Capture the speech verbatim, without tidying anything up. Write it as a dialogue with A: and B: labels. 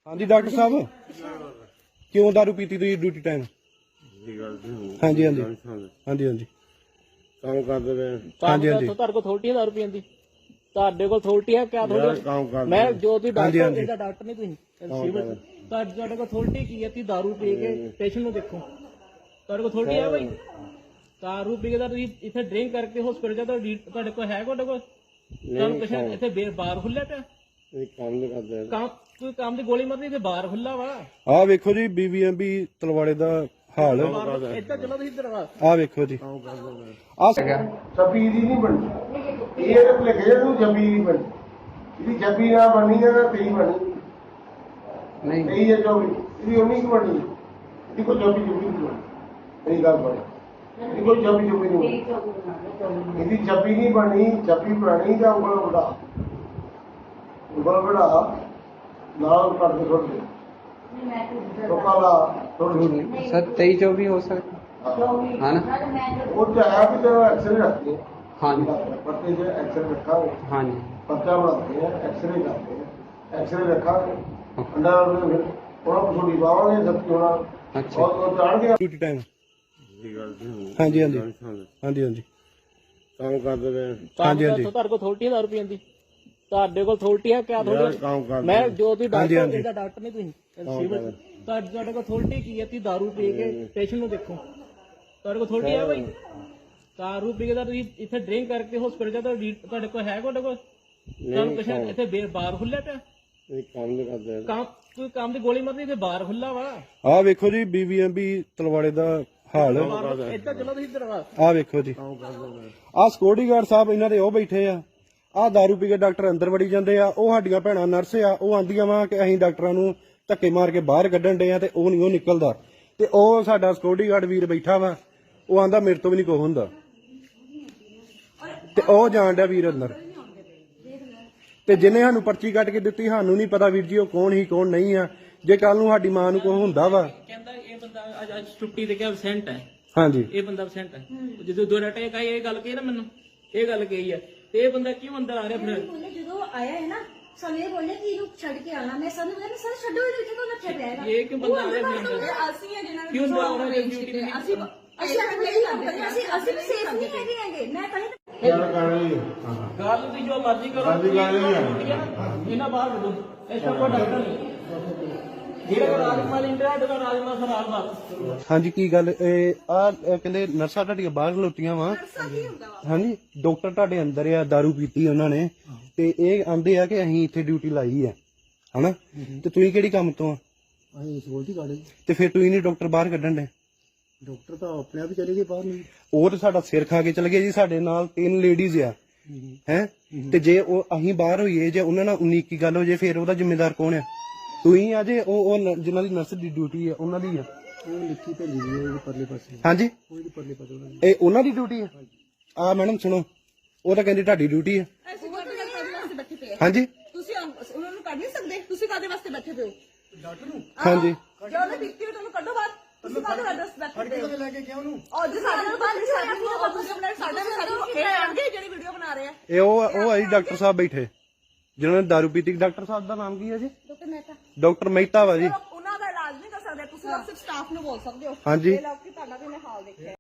A: हाँ जी डॉक्टर साहब क्यों दारू पीती तुम ड्यूटी टाइम? हाँ जी हाँ जी हाँ जी हाँ जी
B: काम करते रहे।
A: हाँ जी हाँ जी
C: ਤੁਹਾਡੇ ਕੋਲ ਅਥਾਰਟੀ ਹੈ ਦਾਰੂ ਪੀਣ ਦੀ? ਤੁਹਾਡੇ ਕੋਲ ਅਥਾਰਟੀ ਹੈ ਕਿਆ?
B: ਯਾਰ ਕੰਮ ਕਰਦੇ
C: ਮੈਂ ਜੋ ਤੁਸੀਂ
A: ਹਾਂਜੀ,
C: ਡਾਕਟਰ
A: ਹਾਂਜੀ।
C: ਇਹਦਾ ਡਾਕਟਰ ਨਹੀਂ ਤੁਸੀਂ ਸਿਵਲ ਤੁਹਾਡੇ ਤੁਹਾਡੇ ਕੋਲ ਅਥਾਰਟੀ ਕੀ ਹੈ? ਤੁਸੀਂ ਦਾਰੂ ਪੀ ਕੇ ਪੇਸ਼ੈਂਟ ਨੂੰ ਦੇਖੋ। ਤੁਹਾਡੇ ਕੋਲ ਅਥਾਰਟੀ ਹੈ ਭਾਈ? ਦਾਰੂ ਪੀ ਕੇ ਤਾਂ ਤੁਸੀਂ ਇੱਥੇ ਡਰਿੰਕ ਕਰਕੇ ਹਸਪੀਟਲ ਜਾ ਤੁਹਾਡੇ ਕੋਲ ਹੈ? ਤੁਹਾਡੇ ਕੋਲ ਤੁਹਾਨੂੰ ਪੇਸ਼ੈਂਟ ਇੱਥੇ ਬੇ- ਬਾਹਰ ਖੁੱਲਿਆ ਪਿਆ
B: ਇਹ ਕੰਮ ਨਹੀਂ ਕਰਦੇ।
C: ਕੰਮ ਕੋਈ ਕੰਮ ਦੀ ਗੋਲੀ ਮਾਰਨੀ ਤੇ ਬਾਹਰ ਖੁੱਲਾ ਵਾ।
A: आ वेखो जी बीवीएमबी तलवाड़े दा हाल
C: ਇੱਧਰ ਚਲੋ ਤੁਸੀਂ ਇੱਧਰ ਵਾ।
A: आ वेखो जी आ
D: ਛੱਬੀ ਦੀ ਨਹੀਂ ਬਣੀ ਇਹ ਤਾਂ ਲਿਖੇ ਨੂੰ ਛੱਬੀ ਦੀ ਬਣੀ ਇਹਦੀ ਛੱਬੀ ਨਾ ਬਣੀ ਹੈ ਨਾ ਤੇਈ ਬਣੀ ਨਹੀਂ ਤੇਈ ਜਾਂ ਚੌਵੀ ਇਹਦੀ ਉਨੀ ਕੁ ਬਣੀ ਇਹਦੀ ਕੋਈ ਛੱਬੀ ਛੱਬੀ ਨਹੀਂ ਬਣੀ ਇਹ ਗੱਲ ਬਣੀ ਇਹਦੀ ਕੋਈ ਛੱਬੀ ਛੱਬੀ ਨਹੀਂ ਬਣੀ ਇਹਦੀ ਛੱਬੀ ਨਹੀਂ ਬਣੀ ਛੱਬੀ ਪੁਰਾਣੀ ਦਾ ਉਂਗਲ ਵੜਾ ਉਂਗਲ ਵੜਾ ਨਾਲ ਕੱਟ ਕੇ ਛੋੜ ਦੇ ਲੋਕਾਂ ਦਾ ਥੋੜੀ ਥੋੜੀ
E: सर तेईस चौबीस हो सकता है ना?
D: ਉਹ ਤਾਂ ਹੈ ਵੀ ਜਦੋਂ ਐਕਸਰੇ ਰੱਖਦੇ
E: हाँ जी
D: ਪੱਤੇ 'ਚ ਐਕਸਰੇ ਰੱਖਾਂਗੇ
E: हाँ जी
D: ਪਰਚਾ ਬਣਾਉਂਦੇ ਆ ਐਕਸਰੇ ਕਰਦੇ ਆ ਐਕਸਰੇ ਰੱਖਾਂਗੇ ਅੰਡਾ ਫਿਰ ਉਹਨਾਂ ਨੂੰ ਛੋੜੀ ਪਾਵਾਂਗੇ ਸੱਤੀ ਹੋਣਾ
E: अच्छा
D: ਉਹ ਉਹ ਚੜ ਗਿਆ
A: ड्यूटी टाइम
B: ਇਹ ਗੱਲ ਨਹੀਂ।
A: हाँ जी हाँ जी हाँ जी हाँ जी
B: ਕੰਮ ਕਰਦੇ ਰਹੇ।
A: ਹਾਂਜੀ, ਹਾਂਜੀ।
C: ਤੁਹਾਡੇ ਕੋਲ ਅਥਾਰਟੀ ਹੈ ਦਾਰੂ ਪੀਣ ਦੀ? ਤੁਹਾਡੇ ਕੋਲ ਅਥਾਰਟੀ ਹੈ ਕਿਆ?
B: ਯਾਰ
C: ਤੁਹਾਡੇ
B: ਕੰਮ ਕਰਦੇ
C: ਮੈਂ ਜੋ ਤੁਸੀਂ
A: ਹਾਂਜੀ,
C: ਡਾਕਟਰ
A: ਹਾਂਜੀ।
C: ਇਹਦਾ ਡਾਕਟਰ ਨਹੀਂ ਤੁਸੀਂ ਸਿਵਲ ਤੁਹਾਡੇ ਤੁਹਾਡੇ ਕੋਲ ਅਥਾਰਟੀ ਕੀ ਹੈ? ਤੁਸੀਂ ਦਾਰੂ ਪੀ ਕੇ ਪੇਸ਼ੈਂਟ ਨੂੰ ਦੇਖੋ। ਤੁਹਾਡੇ ਕੋਲ ਅਥਾਰਟੀ ਹੈ ਭਾਈ? ਦਾਰੂ ਪੀ ਕੇ ਤਾਂ ਤੁਸੀਂ ਇੱਥੇ ਡਰਿੰਕ ਕਰਕੇ ਹਸਪੀਟਲ ਜਾ ਤੁਹਾਡੇ ਕੋਲ ਹੈ? ਤੁਹਾਡੇ ਕੋਲ ਤੁਹਾਨੂੰ ਪੇਸ਼ੈਂਟ ਇੱਥੇ ਬੇ- ਬਾਹਰ ਖੁੱਲਿਆ ਪਿਆ
B: ਇਹ ਕੰਮ ਨਹੀਂ ਕਰਦੇ।
C: ਕੰਮ ਕੋਈ ਕੰਮ ਦੀ ਗੋਲੀ ਮਾਰਨੀ ਤੇ ਬਾਹਰ ਖੁੱਲਾ ਵਾ।
A: आ वेखो जी बीवीएमबी तलवाड़े दा हाल
C: ਇੱਧਰ ਚਲੋ ਤੁਸੀਂ ਇੱਧਰ ਵਾ।
A: आ वेखो जी आ सिक्योरिटी गार्ड साहब इन्हां दे ਉਹ ਬੈਠੇ ਆ ਆ दारू ਪੀ ਕੇ ਡਾਕਟਰ ਅੰਦਰ ਵੜੀ ਜਾਂਦੇ ਆ। ਉਹ ਸਾਡੀਆਂ ਭੈਣਾਂ ਨਰਸ ਆ ਉਹ ਆਂਦੀਆਂ ਵਾ ਕਿ ਅਸੀਂ ਡਾਕਟਰਾਂ ਨੂੰ ਧੱਕੇ ਮਾਰ ਕੇ ਬਾਹਰ ਕੱਢਣ ਡੇ ਆ ਤੇ ਉਹ ਨਹੀਂ ਉਹ ਨਿਕਲਦਾ ਤੇ ਉਹ ਸਾਡਾ ਸਿਕਿਉਰਿਟੀ ਗਾਰਡ ਵੀਰ ਬੈਠਾ ਵਾ ਉਹ ਆਂਦਾ ਮੇਰੇ ਤੋਂ ਵੀ ਨਹੀਂ ਕੁਛ ਹੁੰਦਾ ਤੇ ਉਹ ਜਾਣ ਡਿਆ ਵੀਰ ਅੰਦਰ ਤੇ ਜਿਹਨੇ ਸਾਨੂੰ ਪਰਚੀ ਕੱਟ ਕੇ ਦਿੱਤੀ ਸਾਨੂੰ ਨਹੀਂ ਪਤਾ ਵੀਰ ਜੀ ਉਹ ਕੌਣ ਹੀ ਕੌਣ ਨਹੀਂ ਆ। ਜੇ ਕੱਲ ਨੂੰ ਸਾਡੀ ਮਾਂ ਨੂੰ ਕੁਛ ਹੁੰਦਾ ਵਾ
C: ਕਹਿੰਦਾ ਇਹ ਬੰਦਾ ਅੱਜ ਅੱਜ ਛੁੱਟੀ ਤੇ ਕਿ ਐਬਸੈਂਟ ਹੈ।
A: ਹਾਂਜੀ
C: ਇਹ ਬੰਦਾ ਐਬਸੈਂਟ ਹੈ। ਜਦੋਂ ਦੋ ਡਾਟਾ ਕਹੀ ਇਹ ਗੱਲ ਕਹੀ ਨਾ ਮੈਨੂੰ ਇਹ ਗੱਲ ਕਹੀ ਹੈ ਤੇ ਇਹ ਬੰਦਾ ਕਿਉਂ ਅੰਦਰ ਆ ਰਿਹਾ ਫਿਰ?
F: ਬੋਲੇ ਜਦੋਂ ਆਇਆ ਹੈ ਨਾ ਸਾਨੂੰ ਇਹ ਬੋਲੇ ਕਿ ਇਹਨੂੰ ਛੱਡ ਕੇ ਆਣਾ। ਮੈਂ ਸਾਨੂੰ ਬੋਲਿਆ ਸਰ ਛੱਡੋ ਇਹਨੂੰ ਇੱਥੇ ਤੋਂ ਰੱਖਿਆ ਪਿਆ ਹੈਗਾ।
C: ਇਹ ਕਿਉਂ ਬੰਦਾ ਆ ਰਿਹਾ ਫਿਰ ਅੰਦਰ?
F: ਅਸੀਂ ਆ ਜਿਹਨਾਂ
C: ਕਿਉਂ ਅੰਦਰ ਆ ਰਿਹਾ ਡਿਊਟੀ ਤੇ?
F: ਅਸੀਂ ਅਸੀਂ ਨਹੀਂ ਕਰਦੇ ਅਸੀਂ ਅਸੀਂ ਵੀ ਸੇਫ ਨਹੀਂ ਹੈਗੇ ਹੈਗੇ। ਮੈਂ ਕਹੀਂ
D: ਗੱਲ ਕਰ ਲਈ
C: ਗੱਲ ਤੁਸੀਂ ਜੋ ਮਰਜ਼ੀ ਕਰੋ।
D: ਮਰਜ਼ੀ ਕਰ ਲਈ ਆ।
C: ਇਹਨਾਂ ਬਾਹਰ ਕੱਢੋ। ਇਸ ਤੋਂ ਕੋਈ ਡਾਕਟਰ ਨਹੀਂ ਜਿਹੜਾ ਰਾਜਮਾਲ ਇੰਟਰਾ ਦਾ ਰਾਜਮਾਲ ਸਰ ਰਾਜਮਾਲ
A: ਹਾਂਜੀ ਕੀ ਗੱਲ ਇਹ ਆ ਕਹਿੰਦੇ ਨਰਸਾਂ ਤੁਹਾਡੀਆਂ ਬਾਹਰ ਖਲੋਤੀਆਂ ਵਾ ਹਾਂਜੀ ਡਾਕਟਰ ਤੁਹਾਡੇ ਅੰਦਰ ਆ दारू ਪੀਤੀ ਉਹਨਾਂ ਨੇ ਤੇ ਇਹ ਆਂਦੇ ਆ ਕਿ ਅਸੀਂ ਇੱਥੇ ਡਿਊਟੀ ਲਾਈ ਆ ਹਨਾ ਤੇ ਤੁਸੀਂ ਕਿਹੜੀ ਕੰਮ ਤੋਂ ਆ
G: ਅਸੀਂ ਸਿਕਿਉਰਿਟੀ ਗਾਰਡ
A: ਤੇ ਫਿਰ ਤੁਸੀਂ ਨਹੀਂ ਡਾਕਟਰ ਬਾਹਰ ਕੱਢਣ ਦੇ?
G: ਡਾਕਟਰ ਤਾਂ ਆਪਣੇ ਆਪ ਹੀ ਚਲੇ ਗਏ ਬਾਹਰ ਨੂੰ।
A: ਉਹ ਤੇ ਸਾਡਾ ਸਿਰ ਖਾ ਕੇ ਚਲੇ ਗਏ ਜੀ। ਸਾਡੇ ਨਾਲ ਤਿੰਨ ਲੇਡੀਜ਼ ਆ ਹੈ ਤੇ ਜੇ ਉਹ ਅਸੀਂ ਬਾਹਰ ਹੋਈਏ ਜੇ ਉਹਨਾਂ ਨਾਲ ਉਨੀ ਕੀ ਗੱਲ ਹੋ ਜੇ ਫਿਰ ਉਹਦਾ ਜ਼ਿੰਮੇਦਾਰ ਕੌਣ ਆ? ਤੁਸੀਂ ਆ ਜੇ ਉਹ ਉਹ ਨ- ਜਿਨ੍ਹਾਂ ਦੀ ਨਰਸ ਦੀ ਡਿਊਟੀ ਆ ਉਹਨਾਂ ਦੀ ਆ।
G: ਉਹ ਲਿਖੀ ਭੇਜੀ ਗਈ ਹੈ ਉਹਦੇ ਪਰਲੇ ਪਾਸੇ
A: ਹਾਂਜੀ
G: ਉਹਦੇ ਪਰਲੇ ਪਾਸੇ ਉਹਨਾਂ
A: ਇਹ ਉਹਨਾਂ ਦੀ ਡਿਊਟੀ ਆ। ਆ ਮੈਡਮ ਸੁਣੋ ਉਹ ਤਾਂ ਕਹਿੰਦੀ ਤੁਹਾਡੀ ਡਿਊਟੀ ਆ।
F: ਅਸੀਂ ਕਾਹਦੇ ਵਾਸਤੇ ਬੈਠੇ ਪਏ?
A: ਹਾਂਜੀ
F: ਤੁਸੀਂ ਉਹਨਾਂ ਨੂੰ ਕੱਢ ਨਹੀਂ ਸਕਦੇ? ਤੁਸੀਂ ਕਾਹਦੇ ਵਾਸਤੇ ਬੈਠੇ ਪਏ ਹੋ?
A: ਹਾਂਜੀ
F: ਜੇ ਉਹਨੇ ਪੀਤੀ ਹੋਈ ਤੁਹਾਨੂੰ ਕੱਢੋ ਬਾਹਰ। ਤੁਸੀਂ ਕਾਹਦੇ ਵਾਸਤੇ ਬੈਠੇ ਪਏ ਹੋ?
G: ਲੈ ਕੇ ਗਿਆ ਉਹਨੂੰ
F: ਔਰ ਜੇ ਸਾਡੇ ਨਾਲ ਬਾਹਰ ਨਹੀਂ ਸਾਡੇ ਨੂੰ ਤੁਸੀਂ ਆਪਣੇ ਸਾਡੇ ਵੀ ਸਾਡੇ ਇਹ ਆਣਗੇ ਜਿਹੜੀ ਵੀਡੀਓ ਬਣਾ ਰਹੇ ਆ।
A: ਇਹ ਉਹ ਉਹ ਆ ਜੀ ਡਾਕਟਰ ਸਾਹਿਬ ਬੈਠੇ ਜਿਨ੍ਹਾਂ ਨੇ दारू ਪੀਤੀ। ਡਾਕਟਰ ਸਾਹਿਬ ਦਾ ਨਾਮ ਕੀ ਹੈ ਜੀ?
F: ਡਾਕਟਰ ਮਹਿਤਾ
A: ਡਾਕਟਰ ਮਹਿਤਾ ਵਾ ਜੀ।
F: ਉਹਨਾਂ ਦਾ ਇਲਾਜ ਨਹੀਂ ਕਰ ਸਕਦੇ। ਤੁਸੀਂ ਸਿਰਫ ਸਟਾਫ ਨੂੰ ਬੋਲ ਸਕਦੇ ਹੋ।
A: ਹਾਂਜੀ
F: ਇਹ ਲੋਕ ਕਿ ਤੁਹਾਡਾ ਵੀ ਇਹਨੇ ਹਾਲ ਦੇਖਿਆ।